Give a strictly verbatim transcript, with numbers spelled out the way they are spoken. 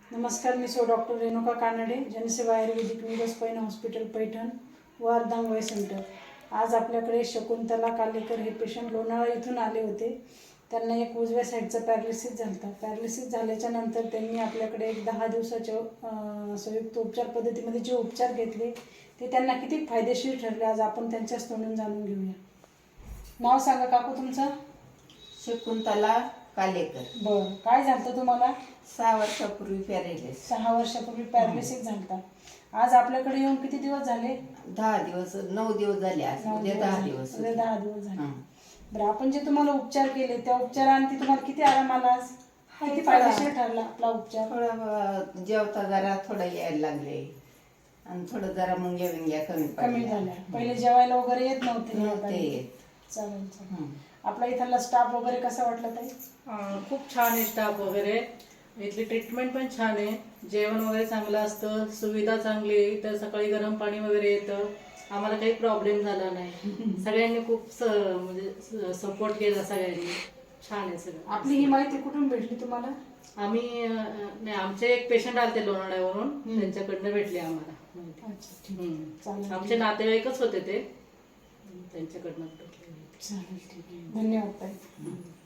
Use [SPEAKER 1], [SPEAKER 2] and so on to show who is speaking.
[SPEAKER 1] नमस्कार, मी सो डॉक्टर रेणुका कानडे, जनसेवा आयुर्वेदिक निरोस्पाईन हॉस्पिटल पैठण व अर्धांग वय सेंटर. आज आपल्याकडे शकुंतला कालेकर हे पेशंट लोणावळा इथून आले होते. त्यांना एक उजव्या साईडचं पॅरालिसिस झालं होतं. पॅरालिसिस झाल्याच्या नंतर त्यांनी आपल्याकडे एक दहा दिवसाच्या संयुक्त उपचार पद्धतीमध्ये जे उपचार घेतले ते त्यांना किती फायदेशीर ठरले आज आपण त्यांच्याच तोंडून जाणून घेऊया. नाव सांगा काकू तुमचं?
[SPEAKER 2] शकुंतला कालेकर.
[SPEAKER 1] बरं, काय झालं तुम्हाला?
[SPEAKER 2] सहा वर्षापूर्वी पॅरालिसिस.
[SPEAKER 1] सहा वर्षापूर्वी पॅरालिसिस झालता. आज आपल्याकडे येऊन किती दिवस झाले?
[SPEAKER 2] दहा दिवस नऊ दिवस झाले. आज उद्या दहा दिवस
[SPEAKER 1] उद्या दहा दिवस झाले.
[SPEAKER 2] हं.
[SPEAKER 1] बरं, आपण जे तुम्हाला उपचार केले त्या उपचारांती तुम्हाला किती आराम आला? आज किती फायदेशीर ठरला आपला उपचार?
[SPEAKER 2] थोडं जेवता जरा थोडं यायला लागले आणि थोडं जरा मुंग्या विंग्या कमी
[SPEAKER 1] कमी
[SPEAKER 2] पडल्या.
[SPEAKER 1] झाल्या. पहिले जेवायला वगैरे येत नव्हते.
[SPEAKER 2] नव्हते.
[SPEAKER 1] चालेल चालेल.
[SPEAKER 2] हं.
[SPEAKER 1] आपला इथला स्टाफ वगैरे कसा वाटला ताई?
[SPEAKER 3] अं, खूप छान आहे स्टाफ वगैरे. इथली ट्रीटमेंट पण छान आहे. जेवण वगैरे चांगलं असतं, सुविधा चांगली आहे. इथं सकाळी गरम पाणी वगैरे येतं. आम्हाला काही प्रॉब्लेम झाला नाही. सगळ्यांनी खूप स म्हणजे सपोर्ट केला सगळ्यांनी. छान आहे सगळं.
[SPEAKER 1] आपली ही माहिती कुठून भेटली तुम्हाला?
[SPEAKER 3] आम्ही अं, नाही, आमचे एक पेशंट आले लोणावळ्यावरून, त्यांच्याकडनं भेटले आम्हाला माहिती.
[SPEAKER 1] अच्छा, ठीक.
[SPEAKER 3] हम्म.
[SPEAKER 1] चालेल.
[SPEAKER 3] आमचे नातेवाईकच होते ते, त्यांच्याकडनं भेटले.
[SPEAKER 1] चालेल, ठीक आहे. धन्यवाद ताई.